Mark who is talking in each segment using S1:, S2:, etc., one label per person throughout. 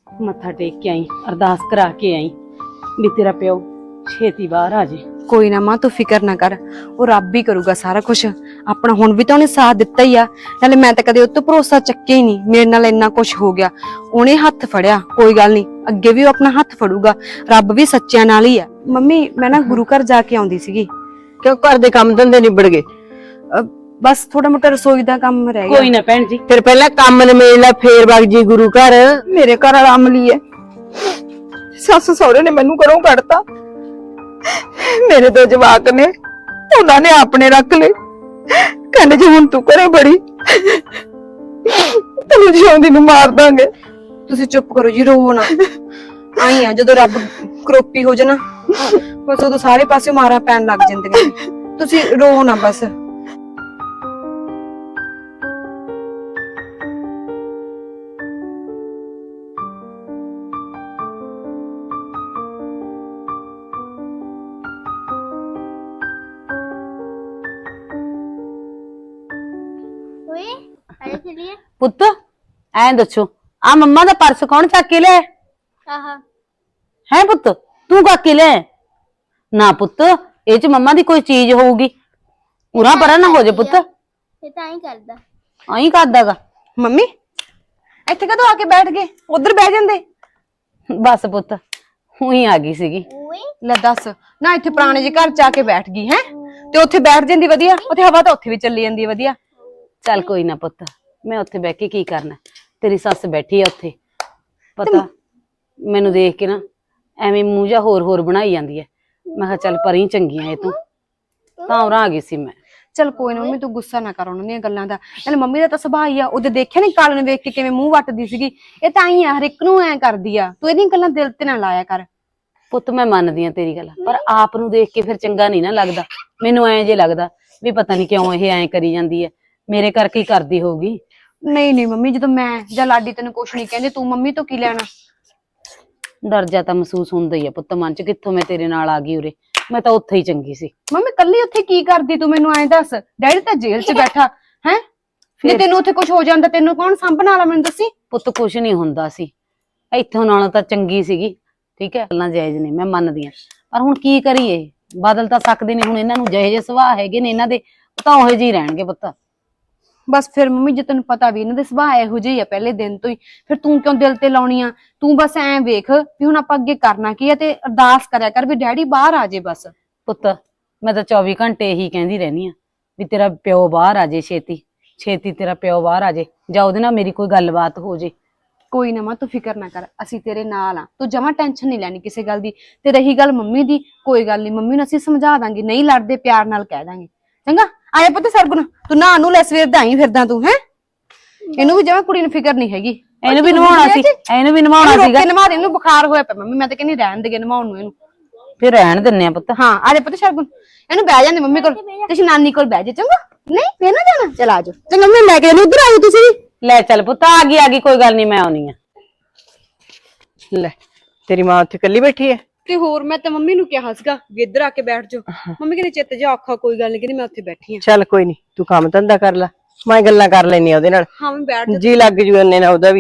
S1: ਮੱਥਾ ਟੇਕ ਕੇ ਆਈ, ਅਰਦਾਸ ਕਰਾ ਕੇ ਆਈ ਵੀ ਤੇਰਾ ਪਿਓ ਛੇਤੀ ਬਾਹਰ ਆ ਜੇ।
S2: ਕੋਈ ਨਾ ਮਾਂ, ਤੂੰ ਫਿਕਰ ਨਾ ਕਰ, ਉਹ ਰੱਬ ਹੀ ਕਰੂਗਾ ਸਾਰਾ ਕੁਝ ਆਪਣਾ। ਹੁਣ ਵੀ ਤਾਂ ਉਹਨੇ ਸਾਥ ਦਿੱਤਾ ਹੀ ਆ, ਨਾਲੇ ਮੈਂ ਤਾਂ ਕਦੇ ਉਹ ਤੋਂ ਭਰੋਸਾ ਚੱਕਿਆ ਹੀ ਨਹੀਂ। ਮੇਰੇ ਨਾਲ ਇੰਨਾ ਕੁਝ ਹੋ ਗਿਆ, ਉਹਨੇ ਹੱਥ ਫੜਿਆ, ਕੋਈ ਗੱਲ ਨਹੀਂ, ਅੱਗੇ ਵੀ ਉਹ ਆਪਣਾ ਹੱਥ ਫੜੂਗਾ। ਰੱਬ ਵੀ ਸੱਚਿਆਂ ਨਾਲ ਹੀ ਆ। ਮੰਮੀ ਮੈਂ ਨਾ ਗੁਰੂ ਘਰ ਜਾ ਕੇ ਆਉਂਦੀ ਸੀਗੀ।
S3: ਕਿਉਂ ਘਰ ਦੇ ਕੰਮ ਧੰਦੇ ਨਿਬੜ ਗਏ?
S2: ਬਸ ਥੋੜਾ ਮੋਟਾ ਰਸੋਈ ਦਾ ਕੰਮ ਰਹਿ ਗਿਆ।
S1: ਕੋਈ ਨਾ ਭੈਣ ਜੀ,
S3: ਫਿਰ ਪਹਿਲਾਂ ਕੰਮ ਨਿਬੇੜ ਲੈ, ਫੇਰ ਵਗ ਜੀ ਗੁਰੂ ਘਰ।
S4: ਮੇਰੇ ਘਰ ਵਾਲਾ ਅਮਲੀ ਹੈ, ਸੱਸ ਸਹੁਰੇ ਨੇ ਮੈਨੂੰ ਘਰੋਂ ਕੱਢਤਾ। ਮੇਰੇ ਦੋ ਜਵਾਕ ਨੇ, ਉਹਨਾਂ ਨੇ ਆਪਣੇ ਰੱਖ ਲਏ। ਕਹਿੰਦੇ ਜੇ ਹੁਣ ਤੂੰ ਘਰੇ ਬੜੀ ਤੈਨੂੰ ਜਿਉਂਦੀ ਨੂੰ ਮਾਰ ਦਾਂਗੇ।
S2: ਤੁਸੀਂ ਚੁੱਪ ਕਰੋ ਜੀ, ਰੋਵੋ ਨਾ। ਆਈ ਆ ਜਦੋਂ ਰੱਬ ਕਰੋਪੀ ਹੋ ਜਾਣਾ, ਬਸ ਉਦੋਂ ਸਾਰੇ ਪਾਸੇ ਮਾਰਾਂ ਪੈਣ ਲੱਗ ਜਾਂਦੀਆਂ ਨੇ। ਤੁਸੀਂ ਰੋਵੋ ਨਾ ਬਸ।
S1: ਪੁੱਤ ਐਂ ਦੱਸੋ, ਆ ਮੰਮਾ ਦਾ ਪਰਸ ਕੌਣ ਚੱਕ ਕੇ ਲਿਆ?
S5: ਆਹਾ
S1: ਹੈ ਪੁੱਤ, ਤੂੰ ਚੱਕ ਕੇ ਲਿਆ? ਨਾ ਪੁੱਤ, ਇਹ ਚ ਮੰਮਾ ਦੀ ਕੋਈ ਚੀਜ਼ ਹੋਊਗੀ। ਪੂਰਾ ਪਰਾਂ ਨਾ ਹੋ ਜਾ ਪੁੱਤ।
S5: ਇਹ ਤਾਂ ਹੀ ਕਰਦਾ।
S1: ਆਈ ਕਰਦਾਗਾ।
S2: ਮੰਮੀ ਇੱਥੇ ਕਦੋਂ ਆ ਕੇ ਬੈਠ ਗਏ? ਉਧਰ ਬਹਿ ਜਾਂਦੇ।
S1: ਬਸ ਪੁੱਤ, ਉਹੀ ਆ ਗਈ ਸੀਗੀ।
S5: ਓਏ
S2: ਲੈ ਦੱਸ ਨਾ, ਇੱਥੇ ਪੁਰਾਣੇ ਜਿਹੇ ਘਰ ਚ ਆ ਕੇ ਬੈਠ ਗਈ ਹੈ, ਤੇ ਉੱਥੇ ਬੈਠ ਜਾਂਦੀ ਵਧੀਆ, ਉੱਥੇ ਹਵਾ ਤਾਂ ਉੱਥੇ ਵੀ ਚੱਲੀ ਜਾਂਦੀ ਹੈ ਵਧੀਆ।
S1: ਚੱਲ ਕੋਈ ਨਾ ਪੁੱਤ, ਮੈਂ ਉੱਥੇ ਬਹਿ ਕੇ ਕੀ ਕਰਨਾ? ਤੇਰੀ ਸੱਸ ਬੈਠੀ ਆ ਉੱਥੇ, ਪਤਾ ਮੈਨੂੰ ਦੇਖ ਕੇ ਨਾ ਐਵੇਂ ਮੂੰਹ ਜਾ ਹੋਰ ਬਣਾਈ ਜਾਂਦੀ ਹੈ। ਮੈਂ ਕਿਹਾ ਚੱਲ ਪਰੀ ਚੰਗੀਆਂ ਇਹ ਤੂੰ, ਤਾਂ ਉਰਾਂ ਆ ਗਈ ਸੀ ਮੈਂ।
S2: ਚਲ ਕੋਈ ਨਾ ਮੰਮੀ, ਤੂੰ ਗੁੱਸਾ ਨਾ ਕਰ ਉਹਨਾਂ ਦੀਆਂ ਗੱਲਾਂ ਦਾ। ਨਾਲੇ ਮੰਮੀ ਦਾ ਤਾਂ ਸੁਭਾਅ ਹੀ ਆ, ਉਹਦੇ ਦੇਖਿਆ ਨੀ ਕਾਲ ਨੂੰ ਵੇਖ ਕੇ ਕਿਵੇਂ ਮੂੰਹ ਵੱਟਦੀ ਸੀਗੀ। ਇਹ ਤਾਂ ਹੀ ਆ, ਹਰ ਇੱਕ ਨੂੰ ਐ ਕਰਦੀ ਆ। ਤੂੰ ਇਹਦੀਆਂ ਗੱਲਾਂ ਦਿਲ ਤੇ ਨਾ ਲਾਇਆ ਕਰ।
S1: ਪੁੱਤ ਮੈਂ ਮੰਨਦੀ ਆ ਤੇਰੀ ਗੱਲ, ਪਰ ਆਪ ਨੂੰ ਦੇਖ ਕੇ ਫਿਰ ਚੰਗਾ ਨਹੀਂ ਨਾ ਲੱਗਦਾ। ਮੈਨੂੰ ਐਂ ਜੇ ਲੱਗਦਾ ਵੀ ਪਤਾ ਨਹੀਂ ਕਿਉਂ ਇਹ ਐਂ ਕਰੀ ਜਾਂਦੀ ਹੈ, ਮੇਰੇ ਕਰਕੇ ਹੀ ਕਰਦੀ ਹੋਊਗੀ।
S2: ਨਹੀਂ ਨਹੀਂ ਮੰਮੀ, ਜਦੋਂ ਮੈਂ ਜਾਂ ਲਾਡੀ ਤੈਨੂੰ ਕੁਛ ਨਹੀਂ ਕਹਿੰਦੇ, ਤੂੰ ਮੰਮੀ ਤੋਂ ਕੀ ਲੈਣਾ?
S1: ਡਰ ਜਾ ਤਾਂ ਮਹਿਸੂਸ ਹੁੰਦਾ ਹੀ ਆ ਪੁੱਤ ਮਨ ਚ, ਕਿੱਥੋਂ ਮੈਂ ਤੇਰੇ ਨਾਲ ਆ ਗਈ ਉਰੇ। ਮੈਂ ਤਾਂ ਉੱਥੇ ਹੀ ਚੰਗੀ ਸੀ।
S2: ਮੰਮੀ ਕੱਲੀ ਉੱਥੇ ਕੀ ਕਰਦੀ ਤੂੰ? ਮੈਨੂੰ ਐਂ ਦੱਸ। ਡੈਡੀ ਤਾਂ ਜੇਲ੍ਹ 'ਚ ਬੈਠਾ ਹੈ, ਜੇ ਤੈਨੂੰ ਉੱਥੇ ਕੁਝ ਹੋ ਜਾਂਦਾ ਤੈਨੂੰ ਕੌਣ ਸਾਂਭਣ ਵਾਲਾ? ਮੈਨੂੰ ਦੱਸੀ।
S1: ਪੁੱਤ ਕੁਛ ਨਹੀਂ ਹੁੰਦਾ ਸੀ, ਇੱਥੋਂ ਨਾਲੋਂ ਤਾਂ ਚੰਗੀ ਸੀਗੀ। ਠੀਕ ਹੈ, ਗੱਲਾਂ ਜਾਇਜ਼ ਨੇ, ਮੈਂ ਮੰਨਦੀ ਆ, ਪਰ ਹੁਣ ਕੀ ਕਰੀਏ? ਬਦਲ ਤਾਂ ਸਕਦੇ ਨੇ ਹੁਣ। ਇਹਨਾਂ ਨੂੰ ਜਿਹੇ ਜਿਹੇ ਸੁਭਾਅ ਹੈਗੇ ਨੇ ਇਹਨਾਂ ਦੇ, ਤਾਂ ਉਹੋ ਜਿਹੇ ਰਹਿਣਗੇ ਪੁੱਤ।
S2: ਬਸ ਫਿਰ ਮੰਮੀ, ਜੇ ਤੈਨੂੰ ਪਤਾ ਵੀ ਇਹਨਾਂ ਦੇ ਸੁਭਾਅ ਇਹੋ ਜਿਹੇ ਆ ਪਹਿਲੇ ਦਿਨ ਤੋਂ ਹੀ, ਫਿਰ ਤੂੰ ਕਿਉਂ ਦਿਲ ਤੇ ਲਾਉਣੀ ਆ? ਤੂੰ ਬਸ ਐਂ ਵੇਖ ਵੀ ਹੁਣ ਆਪਾਂ ਅੱਗੇ ਕਰਨਾ ਕੀ ਆ, ਤੇ ਅਰਦਾਸ ਕਰਿਆ ਕਰ ਵੀ ਡੈਡੀ ਬਾਹਰ ਆ ਜੇ ਬਸ।
S1: ਪੁੱਤ ਮੈਂ ਤਾਂ 24 ਘੰਟੇ ਇਹੀ ਕਹਿੰਦੀ ਰਹਿਣੀ ਆ ਵੀ ਤੇਰਾ ਪਿਓ ਬਾਹਰ ਆ ਜੇ, ਛੇਤੀ ਛੇਤੀ ਤੇਰਾ ਪਿਓ ਬਾਹਰ ਆ ਜੇ, ਜਾਂ ਉਹਦੇ ਨਾਲ ਮੇਰੀ ਕੋਈ ਗੱਲਬਾਤ ਹੋ ਜੇ।
S2: ਕੋਈ ਨਾ ਮਾਂ, ਤੂੰ ਫਿਕਰ ਨਾ ਕਰ, ਅਸੀਂ ਤੇਰੇ ਨਾਲ ਆ। ਤੂੰ ਜਮਾਂ ਟੈਨਸ਼ਨ ਨਹੀਂ ਲੈਣੀ ਕਿਸੇ ਗੱਲ ਦੀ। ਤੇ ਰਹੀ ਗੱਲ ਮੰਮੀ ਦੀ, ਕੋਈ ਗੱਲ ਨਹੀਂ, ਮੰਮੀ ਨੂੰ ਅਸੀਂ ਸਮਝਾ ਦਾਂਗੇ, ਨਹੀਂ ਲੜਦੇ, ਪਿਆਰ ਨਾਲ ਕਹਿ ਦਾਂਗੇ। ਚੰਗਾ ਆਇਆ ਪੁੱਤ ਸਰਗੁਣ, ਤੂੰ ਨਾ ਨੂੰ ਲੈ, ਸਵੇਰ ਦਾ ਆਈ ਫਿਰਦਾ ਤੂੰ ਹੈ। ਇਹਨੂੰ ਵੀ ਜਮਾਂ ਕੁੜੀ ਨੂੰ ਫਿਕਰ ਨਹੀਂ ਹੈਗੀ।
S1: ਇਹਨੂੰ ਵੀ ਨਵਾਉਣਾ ਸੀ, ਇਹਨੂੰ ਵੀ ਨਵਾਉਣਾ ਸੀਗਾ।
S2: ਨਵਾ ਦੇ, ਇਹਨੂੰ ਬੁਖਾਰ ਹੋਇਆ ਪਿਆ ਮੰਮੀ, ਮੈਂ ਤਾਂ ਕਹਿੰਦੀ ਰਹਿਣ ਦੇਗੇ ਨਵਾਉਣ ਨੂੰ ਇਹਨੂੰ।
S1: ਫਿਰ ਰਹਿਣ ਦਿੰਨੇ ਆ ਪੁੱਤ।
S2: ਹਾਂ ਆ ਜਾ ਪੁੱਤ ਸਰਗੁਣ, ਇਹਨੂੰ ਬਹਿ ਜਾਂਦੇ ਮੰਮੀ ਕੋਲ, ਤੁਸੀਂ ਨਾਨੀ ਕੋਲ ਬਹਿ ਜਾ। ਚੰਗਾ ਨਹੀਂ ਫੇਰ ਨਾ ਜਾਣਾ, ਚਲ ਆ ਜਾਓ। ਚੰਗਾ ਮੈਂ ਲੈ ਕੇ ਇਹਨੂੰ ਉਧਰ ਆਇਓ ਤੁਸੀਂ।
S1: ਲੈ ਚੱਲ ਪੁੱਤ, ਆ ਗਈ ਕੋਈ ਗੱਲ ਨਹੀਂ, ਮੈਂ ਆਉਣੀ ਆ।
S3: ਲੈ ਤੇਰੀ ਮਾਂ ਉੱਥੇ ਇਕੱਲੀ ਬੈਠੀ ਹੈ?
S2: ਤੇ ਹੋਰ ਮੈਂ ਤਾਂ ਮੰਮੀ ਨੂੰ ਕਿਹਾ ਸੀਗਾ ਵੀ ਇੱਧਰ ਆ ਕੇ ਬੈਠ ਜਾਓ। ਮੰਮੀ ਕਹਿੰਦੀ ਚਿੱਤ ਜਾ ਔਖਾ, ਕੋਈ ਗੱਲ ਨਹੀਂ, ਕਹਿੰਦੀ ਮੈਂ ਉੱਥੇ ਬੈਠੀ ਆ।
S3: ਚੱਲ ਕੋਈ ਨੀ, ਤੂੰ ਕੰਮ ਧੰਦਾ ਕਰ ਲੈ, ਮੈਂ ਗੱਲਾਂ ਕਰ ਲੈਣੀ ਆ ਉਹਦੇ ਨਾਲ।
S2: ਹਾਂ ਮੈਂ ਬੈਠ ਜਾ।
S3: ਜੀ ਲੱਗ ਜੂ ਇੰਨੇ ਨਾਲ ਉਹਦਾ ਵੀ।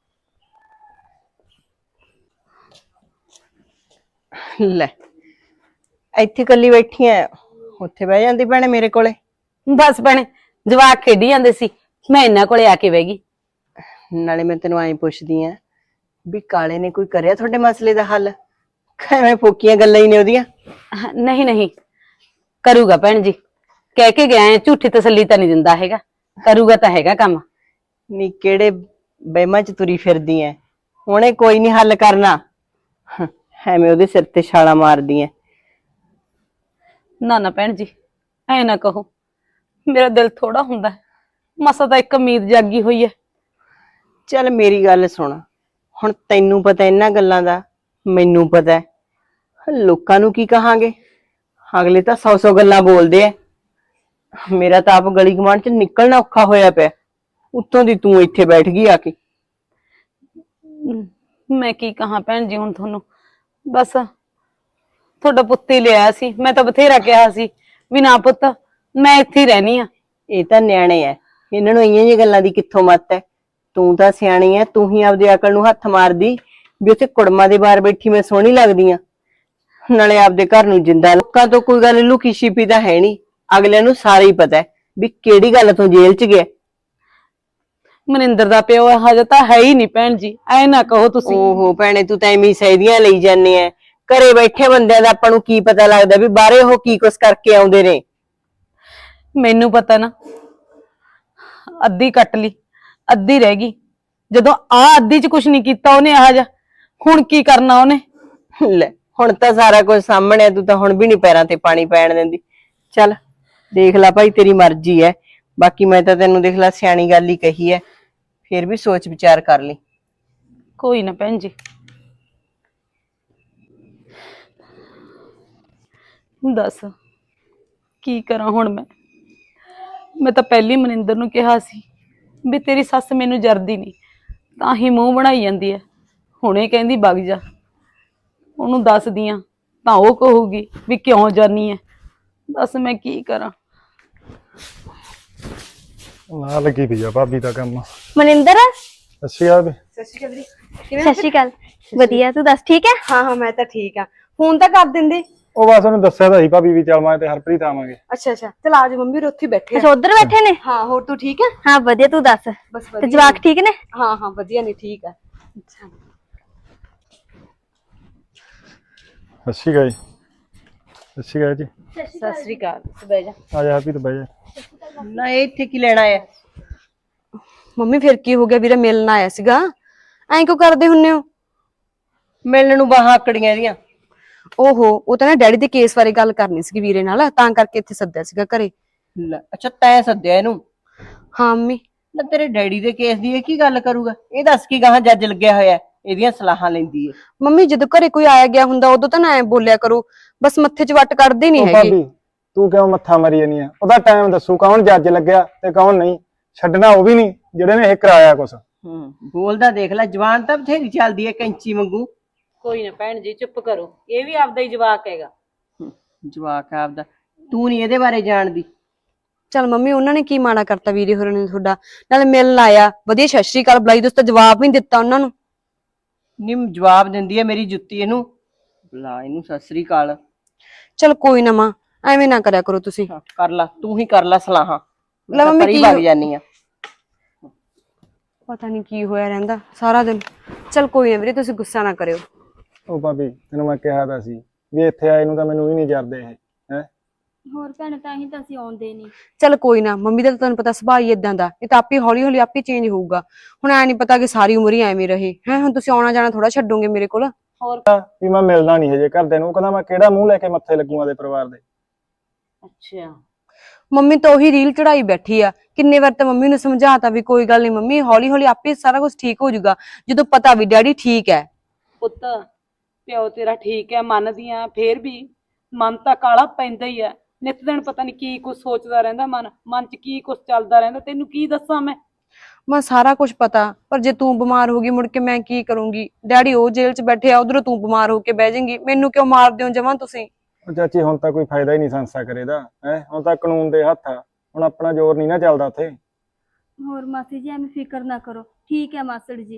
S3: ਲੈ ਇੱਥੇ ਇਕੱਲੀ ਬੈਠੀ ਐ, ਉੱਥੇ ਬਹਿ ਜਾਂਦੀ ਭੈਣੇ ਮੇਰੇ ਕੋਲੇ।
S1: ਬਸ ਭੈਣੇ, ਜਵਾਕ ਖੇਡੀ ਜਾਂਦੇ ਸੀ, ਮੈਂ ਇਹਨਾਂ ਕੋਲੇ ਆ ਕੇ ਬਹਿ ਗਈ।
S3: ਨਾਲੇ ਮੈਂ ਤੈਨੂੰ ਐਂ ਪੁੱਛਦੀ ਆ ਵੀ ਕਾਲੇ ਨੇ ਕੋਈ ਕਰਿਆ ਤੁਹਾਡੇ ਮਸਲੇ ਦਾ ਹੱਲ? ਐਵੇਂ ਫੋਕੀਆਂ ਗੱਲਾਂ ਹੀ ਨੇ ਉਹਦੀਆਂ।
S1: ਨਹੀਂ ਕਰੂਗਾ ਭੈਣ ਜੀ, ਕਹਿ ਕੇ ਗਿਆ, ਝੂਠੀ ਤਸੱਲੀ ਤਾਂ ਨਹੀਂ ਦਿੰਦਾ ਹੈਗਾ, ਕਰੂਗਾ ਤਾਂ ਹੈਗਾ ਕੰਮ।
S3: ਨੀ ਕਿਹੜੇ ਬਹਿਮਾਂ ਚ ਤੁਰੀ ਫਿਰਦੀ ਐ, ਉਹਨੇ ਕੋਈ ਨਹੀਂ ਹੱਲ ਕਰਨਾ, ਐਵੇਂ ਉਹਦੇ ਸਿਰ ਤੇ ਛਾਲਾਂ ਮਾਰਦੀ ਐ।
S1: ਨਾ ਭੈਣ ਜੀ, ਐ ਨਾ ਕਹੋ, ਮੇਰਾ ਦਿਲ ਥੋੜਾ ਹੁੰਦਾ, ਮਸਾ ਤਾਂ ਇੱਕ ਉਮੀਦ ਜਾਗੀ ਹੋਈ ਹੈ।
S3: ਚੱਲ ਮੇਰੀ ਗੱਲ ਸੁਣ, ਹੁਣ ਤੈਨੂੰ ਪਤਾ ਇਹਨਾਂ ਗੱਲਾਂ ਦਾ, ਮੈਨੂੰ ਪਤਾ, ਲੋਕਾਂ ਨੂੰ ਕੀ ਕਹਾਂਗੇ? ਅਗਲੇ ਤਾਂ 100 ਗੱਲਾਂ ਬੋਲਦੇ ਐ। ਮੇਰਾ ਤਾਂ ਆਪ ਗਲੀ ਗਵਾਂਢ ਚ ਨਿਕਲਣਾ ਔਖਾ ਹੋਇਆ ਪਿਆ, ਉੱਤੋਂ ਦੀ ਤੂੰ ਇੱਥੇ ਬੈਠ ਗਈ ਆ ਕੇ।
S1: ਮੈਂ ਕੀ ਕਹਾਂ ਭੈਣ ਜੀ ਹੁਣ ਤੁਹਾਨੂੰ, ਬਸ ਤੁਹਾਡਾ ਪੁੱਤ ਹੀ ਲਿਆ ਸੀ, ਮੈਂ ਤਾਂ ਬਥੇਰਾ ਕਿਹਾ ਸੀ ਵੀ ਨਾ ਪੁੱਤ ਮੈਂ ਇੱਥੇ ਹੀ ਰਹਿਣੀ ਆ।
S3: ਇਹ ਤਾਂ ਨਿਆਣੇ ਐ, ਇਹਨਾਂ ਨੂੰ ਇਹੀਆਂ ਜਿਹੀਆਂ ਗੱਲਾਂ ਦੀ ਕਿੱਥੋਂ ਮੱਤ ਐ? ਤੂੰ ਤਾਂ ਸਿਆਣੀ ਐ, ਤੂੰ ਹੀ ਆਪਦੀ ਅਕਲ ਨੂੰ ਹੱਥ ਮਾਰਦੀ ਵੀ ਉੱਥੇ ਕੁੜਮਾਂ ਦੇ ਬਾਹਰ ਬੈਠੀ ਮੈਂ ਸੋਹਣੀ ਲੱਗਦੀ ਆ। ਨਾਲੇ ਆਪਦੇ ਘਰ ਨੂੰ ਜਿੰਦਾ, ਲੋਕਾਂ ਤੋਂ ਕੋਈ ਗੱਲ ਲੁਕੀ ਛਿਪੀ ਤਾਂ ਹੈ ਨਹੀਂ, ਅਗਲਿਆਂ ਨੂੰ ਸਾਰਾ ਹੀ ਪਤਾ ਹੈ ਵੀ ਕਿਹੜੀ ਗੱਲ ਤੋਂ ਜੇਲ੍ਹ 'ਚ ਗਿਆ।
S1: ਮਨਿੰਦਰ ਦਾ ਪਿਓ ਹਜੇ ਤਾਂ ਹੈ ਹੀ ਨਹੀਂ ਭੈਣ ਜੀ, ਐ ਨਾ ਕਹੋ ਤੁਸੀਂ।
S3: ਓਹੋ ਭੈਣੇ, ਤੂੰ ਤਾਂ ਐਵੇਂ ਸਹਿਦੀਆਂ ਲਈ ਜਾਂਦੇ ਆ। ਘਰੇ ਬੈਠੇ ਬੰਦਿਆਂ ਦਾ ਆਪਾਂ ਨੂੰ ਕੀ ਪਤਾ ਲੱਗਦਾ ਵੀ ਬਾਹਰੇ ਉਹ ਕੀ ਕੁਛ ਕਰਕੇ ਆਉਂਦੇ ਨੇ।
S1: ਮੈਨੂੰ ਪਤਾ ਨਾ, ਅੱਧੀ ਕੱਟ ਲਈ, ਅੱਧੀ ਰਹਿ ਗਈ। ਜਦੋਂ ਆ ਅੱਧੀ ਚ ਕੁਝ ਨਹੀਂ ਕੀਤਾ ਉਹਨੇ, ਆ ਜਾ ਹੁਣ ਕੀ ਕਰਨਾ ਉਹਨੇ।
S3: ਲੈ ਹੁਣ ਤਾਂ ਸਾਰਾ ਕੁਝ ਸਾਹਮਣੇ ਆ, ਤੂੰ ਤਾਂ ਹੁਣ ਵੀ ਨਹੀਂ ਪੈਰਾਂ ਤੇ ਪਾਣੀ ਪੈਣ ਦਿੰਦੀ। ਚੱਲ ਦੇਖ ਲੈ ਭਾਈ, ਤੇਰੀ ਮਰਜ਼ੀ ਹੈ। ਬਾਕੀ ਮੈਂ ਤਾਂ ਤੈਨੂੰ ਦੇਖ ਲੈ ਸਿਆਣੀ ਗੱਲ ਹੀ ਕਹੀ ਹੈ, ਫਿਰ ਵੀ ਸੋਚ ਵਿਚਾਰ ਕਰ ਲਈ।
S1: ਕੋਈ ਨਾ ਭੈਣ ਜੀ, ਦੱਸ ਕੀ ਕਰਾਂ ਹੁਣ ਮੈਂ ਤਾਂ ਪਹਿਲੀ ਮਨਿੰਦਰ ਨੂੰ ਕਿਹਾ ਸੀ ਵੀ ਤੇਰੀ ਸੱਸ ਮੈਨੂੰ ਜਰਦੀ ਨਹੀਂ, ਤਾਂ ਹੀ ਮੂੰਹ ਬਣਾਈ ਜਾਂਦੀ ਹੈ। ਹੁਣੇ ਕਹਿੰਦੀ ਵਗ ਜਾ, ਉਹਨੂੰ ਦੱਸਦੀ ਆ ਤਾਂ ਉਹ ਕਹੂਗੀ ਵੀ ਕਿਉਂ ਜਾਨੀ ਹੈ। ਦੱਸ ਮੈਂ ਕੀ ਕਰਾਂ।
S6: ਨਾ ਲੱਗੀ ਪਈ ਆ ਭਾਬੀ ਦਾ ਕੰਮ।
S2: ਮਨਿੰਦਰ,
S6: ਅੱਛੀ ਆ ਵੀ।
S2: ਸਤਿ ਸ਼੍ਰੀ ਅਕਾਲ।
S5: ਸਤਿ ਸ਼੍ਰੀ ਅਕਾਲ। ਵਧੀਆ, ਤੂੰ ਦੱਸ ਠੀਕ ਹੈ?
S2: ਹਾਂ ਮੈਂ ਤਾਂ ਠੀਕ ਆ। ਫੋਨ ਤਾਂ ਕਰ ਦਿੰਦੇ।
S6: ਉਹ ਬਸ ਉਹਨੂੰ ਦੱਸਿਆ ਤਾਂ ਸੀ ਭਾਬੀ ਵੀ ਚੱਲ ਮੈਂ ਤੇ ਹਰਪ੍ਰੀਤ ਆਵਾਂਗੇ।
S2: ਅੱਛਾ ਚਲ ਆ ਜਾ, ਮੰਮੀ ਉੱਥੇ ਬੈਠੇ
S5: ਅੱਛਾ ਉਧਰ ਬੈਠੇ ਨੇ?
S2: ਹਾਂ, ਹੋਰ ਤੂੰ ਠੀਕ ਹੈ?
S5: ਹਾਂ ਵਧੀਆ, ਤੂੰ ਦੱਸ
S2: ਬਸ
S5: ਤੇ ਜਵਾਕ ਠੀਕ ਨੇ?
S2: ਹਾਂ ਵਧੀਆ ਨੇ, ਠੀਕ ਆ।
S6: ਅੱਛੀ ਗਈ, ਅੱਛੀ ਗਈ ਜੀ।
S1: ਸਤਿ ਸ੍ਰੀ ਅਕਾਲ, ਬਹਿ ਜਾ।
S6: ਆ ਜਾ ਹਰਪ੍ਰੀਤ ਬਹਿ ਜਾ।
S3: ਨਾ ਇਹ ਇੱਥੇ ਕੀ ਲੈਣਾ ਹੈ?
S2: ਮੰਮੀ ਫਿਰ ਕੀ ਹੋ ਗਿਆ, ਵੀਰਾ ਮਿਲਣ ਆਇਆ ਸੀਗਾ। ਐਂ ਕਿਉਂ ਕਰਦੇ ਹੁੰਨੇ ਹੋ?
S3: ਮਿਲਣ ਨੂੰ ਬਾਹਾਂ ਆਕੜੀਆਂ ਇਹਦੀਆਂ।
S2: ਓਹੋ, ਉਹ ਤਾਂ ਨਾ ਡੈਡੀ ਦੇ ਕੇਸ ਬਾਰੇ ਗੱਲ ਕਰਨੀ ਸੀਗੀ ਵੀਰੇ ਨਾਲ, ਤਾਂ ਕਰਕੇ ਇੱਥੇ ਸੱਦਿਆ ਸੀਗਾ ਘਰੇ।
S3: ਲੈ ਅੱਛਾ, ਤੈਂ ਸੱਦਿਆ ਇਹਨੂੰ?
S2: ਹਾਂ ਮੰਮੀ।
S3: ਨਾ ਤੇਰੇ ਡੈਡੀ ਦੇ ਕੇਸ ਦੀ ਇਹ ਕੀ ਗੱਲ ਕਰੂਗਾ? ਇਹ ਦੱਸ ਕੀ ਗਾਹਾਂ ਜੱਜ ਲੱਗਿਆ ਹੋਇਆ, ਇਹਦੀਆਂ ਸਲਾਹਾਂ ਲੈਂਦੀ ਹੈ।
S2: ਮੰਮੀ ਜਦੋਂ ਘਰੇ ਕੋਈ ਆਇਆ ਗਿਆ ਹੁੰਦਾ ਉਦੋਂ ਤਾਂ ਨਾ ਐ ਬੋਲਿਆ ਕਰੋ, ਬਸ ਮੱਥੇ 'ਚ ਵੱਟ ਕੱਢਦੇ ਨਹੀਂ
S6: ਉਹ
S2: ਹੈਗੇ।
S6: ਭਾਬੀ ਤੂੰ ਕਿਉਂ ਮੱਥਾ ਮਾਰੀ ਜਾਨੀ ਆ? ਉਹਦਾ ਟਾਈਮ ਦੱਸੂ ਕੌਣ ਜੱਜ ਲੱਗਿਆ ਤੇ ਕੌਣ ਨਹੀਂ। ਛੱਡਣਾ ਉਹ ਵੀ ਨਹੀਂ ਜਿਹੜੇ ਨੇ ਇਹ ਕਰਾਇਆ ਕੁਛ।
S3: ਬੋਲਦਾ ਦੇਖ ਲੈ, ਜਵਾਨ ਤਾਂ ਬਥੇਰੀ ਚੱਲਦੀ ਹੈ ਕੈਂਚੀ ਵਾਂਗੂ।
S1: ਕੋਈ ਨਾ ਭੈਣ ਜੀ, ਚੁੱਪ ਕਰੋ, ਇਹ ਵੀ ਆਪਦਾ ਹੀ ਜਵਾਕ ਹੈਗਾ।
S3: ਜਵਾਕ ਆਪਦਾ, ਤੂੰ ਨਹੀਂ ਇਹਦੇ ਬਾਰੇ ਜਾਣਦੀ।
S2: ਚੱਲ ਮੰਮੀ, ਉਹਨਾਂ ਨੇ ਕੀ ਮਾੜਾ ਕਰਤਾ ਵੀਰੇ ਹੋਰਾਂ ਨੇ ਤੁਹਾਡਾ? ਨਾਲੇ ਮਿਲਣ ਆਇਆ, ਵਧੀਆ ਸਤਿ ਸ਼੍ਰੀ ਅਕਾਲ ਬੁਲਾਈ, ਦੋਸਤ ਜਵਾਬ ਵੀ ਨਹੀਂ ਦਿੱਤਾ ਉਹਨਾਂ ਨੂੰ।
S3: ਨਿੰਮ ਜਵਾਬ ਦਿੰਦੀ ਹੈ ਮੇਰੀ ਜੁੱਤੀ ਇਹਨੂੰ। ਬੁਲਾ ਇਹਨੂੰ ਸਤਿ ਸ੍ਰੀ ਅਕਾਲ।
S2: ਚਲ ਕੋਈ ਨਾ ਮਾਂ, ਐਵੇਂ ਨਾ ਕਰਿਆ ਕਰੋ ਤੁਸੀਂ।
S3: ਕਰ ਲਾ, ਤੂੰ ਹੀ ਕਰ ਲਾ ਸਲਾਹਾਂ।
S2: ਲੈ ਮੰਮੀ, ਕੀ
S3: ਵਗ ਜਾਨੀ ਆ।
S2: ਪਤਾ ਨਹੀਂ ਕੀ ਹੋਇਆ ਰਹਿੰਦਾ ਸਾਰਾ ਦਿਨ। ਚਲ ਕੋਈ ਨਾ ਵੀਰੇ, ਤੁਸੀਂ ਗੁੱਸਾ ਨਾ ਕਰਿਓ।
S6: ਉਹ ਭਾਬੀ ਤੈਨੂੰ ਮੈਂ ਕਿਹਾ ਤਾਂ ਸੀ ਵੀ ਇੱਥੇ ਆਏ ਨੂੰ ਤਾਂ ਮੈਨੂੰ ਵੀ ਨਹੀਂ ਜਰਦੇ ਇਹ। ਹੈ
S5: ਹੋਰ ਭੈਣ, ਤਾਂ ਹੀ ਤਾਂ ਅਸੀਂ ਆਉਂਦੇ ਨਹੀਂ।
S2: ਚਲ ਕੋਈ ਨਾ, ਮੰਮੀ ਦਾ ਤਾਂ ਤੁਹਾਨੂੰ ਪਤਾ ਸੁਭਾਅ ਹੀ ਇਦਾਂ ਦਾ, ਇਹ ਤਾਂ ਆਪੇ ਹੌਲੀ ਹੌਲੀ ਆਪੇ ਚੇਂਜ ਹੋਊਗਾ। ਹੁਣ ਐ ਨਹੀਂ ਪਤਾ ਕਿ ਸਾਰੀ ਉਮਰ ਹੀ ਐਵੇਂ ਰਹੇ ਹੈ। ਹੁਣ ਤੁਸੀਂ ਆਉਣਾ ਜਾਣਾ ਥੋੜਾ ਛੱਡੋਗੇ ਮੇਰੇ ਕੋਲ।
S6: ਵੀ ਮੈਂ ਮਿਲਣਾ ਨਹੀਂ ਹਜੇ ਘਰਦਿਆਂ ਨੂੰ। ਉਹ ਕਹਿੰਦਾ ਮੈਂ ਕਿਹੜਾ ਮੂੰਹ ਲੈ ਕੇ ਮੱਥੇ ਲੱਗੂਆਂ ਦੇ ਪਰਿਵਾਰ ਦੇ।
S1: ਅੱਛਾ,
S2: ਮੰਮੀ ਤਾਂ ਉਹੀ ਰੀਲ ਚੜਾਈ ਬੈਠੀ ਆ। ਕਿੰਨੇ ਵਾਰ ਤਾਂ ਮੰਮੀ ਨੂੰ ਸਮਝਾਤਾ ਵੀ ਕੋਈ ਗੱਲ ਨਹੀਂ ਮੰਮੀ, ਹੌਲੀ ਹੌਲੀ ਆਪੇ ਸਾਰਾ ਕੁਝ ਠੀਕ ਹੋ ਜਾਊਗਾ, ਜਦੋਂ ਪਤਾ ਵੀ ਡੈਡੀ ਠੀਕ ਹੈ।
S1: ਪੁੱਤ ਪਿਓ ਤੇਰਾ ਠੀਕ ਹੈ, ਮੰਨਦੀ ਆ, ਫੇਰ ਵੀ ਮਨ ਤਾਂ ਕਾਲਾ ਪੈਂਦਾ ਹੀ ਹੈ। ਨਿੱਤ ਦਿਨ ਪਤਾ ਨਹੀਂ ਕੀ ਕੁਝ ਸੋਚਦਾ ਰਹਿੰਦਾ, ਮਨ 'ਚ ਕੀ ਕੁਝ ਚੱਲਦਾ ਰਹਿੰਦਾ। ਤੈਨੂੰ ਕੀ ਦੱਸਾਂ ਮੈਂ
S2: ਸਾਰਾ ਕੁਝ ਪਤਾ, ਪਰ ਜੇ ਤੂੰ ਬਿਮਾਰ ਹੋ ਗਈ ਮੁੜ ਕੇ ਮੈਂ ਕੀ ਕਰੂੰਗੀ? ਡੈਡੀ ਉਹ ਜੇਲ੍ਹ 'ਚ ਬੈਠੇ ਆ, ਉਧਰੋਂ ਤੂੰ ਬਿਮਾਰ ਹੋ ਕੇ ਬਹਿ ਜਾਏਂਗੀ। ਮੈਨੂੰ ਕਿਉਂ ਮਾਰਦੇ ਹੋ ਜਮਾਂ ਤੁਸੀਂ?
S6: ਉਹ ਚਾਚੀ ਹੁਣ ਤਾਂ ਕੋਈ ਫਾਇਦਾ ਹੀ ਨਹੀਂ ਸੰਸਾ ਕਰੇਦਾ ਹੈ। ਹੁਣ ਤਾਂ ਕਾਨੂੰਨ ਦੇ ਹੱਥ ਆ, ਹੁਣ ਆਪਣਾ ਜ਼ੋਰ ਨਹੀਂ ਨਾ ਚੱਲਦਾ ਉੱਥੇ।
S5: ਹੋਰ ਮਾਸੀ ਜੀ, ਐਵੇਂ ਫਿਕਰ ਨਾ ਕਰੋ, ਠੀਕ ਹੈ ਮਾਸੜ ਜੀ।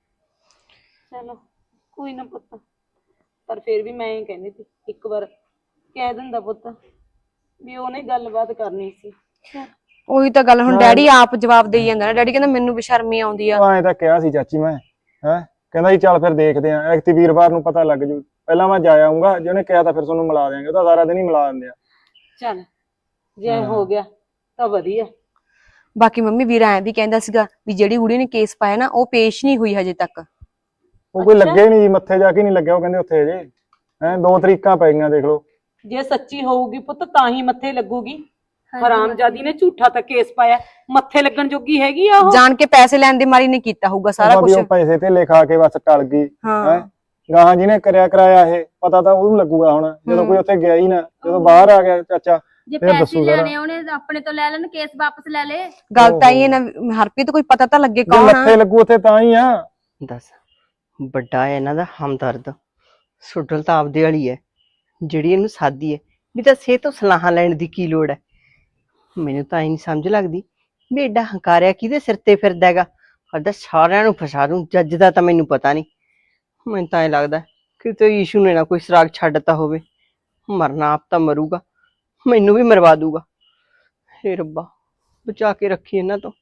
S1: ਚਲੋ ਕੋਈ ਨਾ ਪੁੱਤ, ਪਰ ਫੇਰ ਵੀ ਮੈਂ ਇਹ ਕਹਿੰਦੀ ਸੀ ਇੱਕ ਵਾਰ ਕਹਿ ਦਿੰਦਾ ਪੁੱਤ ਵੀ ਉਹਨੇ ਗੱਲਬਾਤ ਕਰਨੀ ਸੀ।
S2: ਉਹੀ ਤਾਂ ਗੱਲ, ਹੁਣ ਡੈਡੀ ਆਪ ਜਵਾਬ ਦੇਈ ਜਾਂਦਾ ਨਾ। ਡੈਡੀ ਕਹਿੰਦਾ ਮੈਨੂੰ ਬੇਸ਼ਰਮੀ ਆਉਂਦੀ ਆ।
S6: ਉਹ ਐਂ ਤਾਂ ਕਿਹਾ ਸੀ ਚਾਚੀ ਮੈਂ, ਹੈ ਕਹਿੰਦਾ ਸੀ ਚੱਲ ਫਿਰ ਦੇਖਦੇ ਆਂ, ਐਕਤੀ ਵੀਰਵਾਰ ਨੂੰ ਪਤਾ ਲੱਗ ਜੂ। ਪਹਿਲਾਂ ਮੈਂ ਜਾ ਆਊਂਗਾ, ਜੇ ਉਹਨੇ ਕਿਹਾ ਤਾਂ ਫਿਰ ਤੁਹਾਨੂੰ ਮਿਲਾ ਦਿਆਂਗੇ। ਉਹ ਤਾਂ ਸਾਰਾ ਦਿਨ ਹੀ ਮਿਲਾ ਦਿੰਦੇ ਆ।
S1: ਚੱਲ ਜੇ ਹੋ ਗਿਆ ਤਾਂ ਵਧੀਆ।
S2: ਬਾਕੀ ਮੰਮੀ ਵੀਰਾ ਐਂ ਵੀ ਕਹਿੰਦਾ ਸੀਗਾ ਵੀ ਜਿਹੜੀ ਕੁੜੀ ਨੇ ਕੇਸ ਪਾਇਆ ਨਾ, ਉਹ ਪੇਸ਼ ਨਹੀਂ ਹੋਈ ਹਜੇ ਤੱਕ।
S6: ਉਹ ਕੋਈ ਲੱਗੇ ਨਹੀਂ ਜੀ, ਮੱਥੇ ਜਾ ਕੇ ਨਹੀਂ ਲੱਗਿਆ। ਉਹ ਕਹਿੰਦੇ ਉੱਥੇ ਅਜੇ ਹੈ 2 ਤਰੀਕਾਂ ਪੈ ਗਈਆਂ, ਦੇਖ ਲਓ।
S1: ਜੇ ਸੱਚੀ ਹੋਊਗੀ ਪੁੱਤ ਤਾਂ ਹੀ ਮੱਥੇ ਲੱਗੂਗੀ। ਹਰਾਮਜ਼ਾਦੀ ਨੇ ਝੂਠਾ ਤਾਂ ਕੇਸ ਪਾਇਆ, ਮੱਥੇ ਲੱਗਣ ਜੋਗੀ ਹੈਗੀ ਆ ਉਹ?
S2: ਜਾਣ ਕੇ ਪੈਸੇ ਲੈਣ ਦੇ ਮਾਰੀ ਨੇ ਕੀਤਾ ਹੋਊਗਾ ਸਾਰਾ ਕੁਝ।
S6: ਉਹ ਪੈਸੇ ਤੇ ਲਿਖਾ ਕੇ ਬਸ ਟਲ ਗਈ।
S2: ਹਾਂ
S6: ਗਾਹਾਂ ਜਿਹਨੇ ਕਰਾਇਆ ਇਹ ਪਤਾ ਤਾਂ ਉਹਨੂੰ ਲੱਗੂਗਾ। ਹੁਣ ਜਦੋਂ ਕੋਈ ਉੱਥੇ ਗਿਆ ਹੀ ਨਾ, ਜਦੋਂ ਬਾਹਰ ਆ ਗਿਆ ਚਾਚਾ
S5: ਜੇ
S6: ਫਿਰ
S5: ਪੈਸੇ
S6: ਦੱਸੂਗਾ।
S5: ਲੈਣੇ ਉਹਨੇ ਆਪਣੇ ਤੋਂ ਲੈ ਲੈਣ, ਕੇਸ ਵਾਪਸ ਲੈ ਲੇ।
S2: ਗੱਲ ਤਾਂ ਇਹ ਨਾ, ਹਰਪ੍ਰੀਤ ਕੋਈ ਪਤਾ ਤਾਂ ਲੱਗੇ
S6: ਜੇ
S2: ਕੌਣ ਆ।
S6: ਮੱਥੇ ਲੱਗੂ ਉੱਥੇ ਤਾਂ ਹੀ ਆ।
S3: ਦੱਸ, ਵੱਡਾ ਹੈ ਇਹਨਾਂ ਦਾ ਹਮਦਰਦ, ਸੁੱਡਲ ਤਾਂ ਆਪਦੇ ਵਾਲੀ ਹੈ ਜਿਹੜੀ ਇਹਨੂੰ ਸਾਦੀ ਹੈ। ਵੀ ਤਾਂ ਸੇ ਤੋਂ ਸਲਾਹਾਂ ਲੈਣ ਦੀ ਕੀ ਲੋੜ ਹੈ? ਮੈਨੂੰ ਤਾਂ ਇਹ ਨਹੀਂ ਸਮਝ ਲੱਗਦੀ ਵੀ ਐਡਾ ਹੰਕਾਰਿਆ ਕਿਹਦੇ ਸਿਰ ਤੇ ਫਿਰਦਾ ਹੈਗਾ। ਕਰਦਾ ਸਾਰਿਆਂ ਨੂੰ ਫਸਾ ਦੂੰ। ਜੱਜ ਦਾ ਤਾਂ ਮੈਨੂੰ ਪਤਾ ਨਹੀਂ, ਮੈਨੂੰ ਤਾਂ ਐ ਲੱਗਦਾ ਕਿਤੇ ਈਸ਼ੂ ਨੇ ਨਾ ਕੋਈ ਸੁਰਾਗ ਛੱਡਤਾ ਹੋਵੇ। ਮਰਨਾ ਆਪ ਤਾਂ ਮਰੂਗਾ, ਮੈਨੂੰ ਵੀ ਮਰਵਾ ਦੂਗਾ। ਹੇ ਰੱਬਾ ਬਚਾ ਕੇ ਰੱਖੀ ਇਹਨਾਂ ਤੋਂ।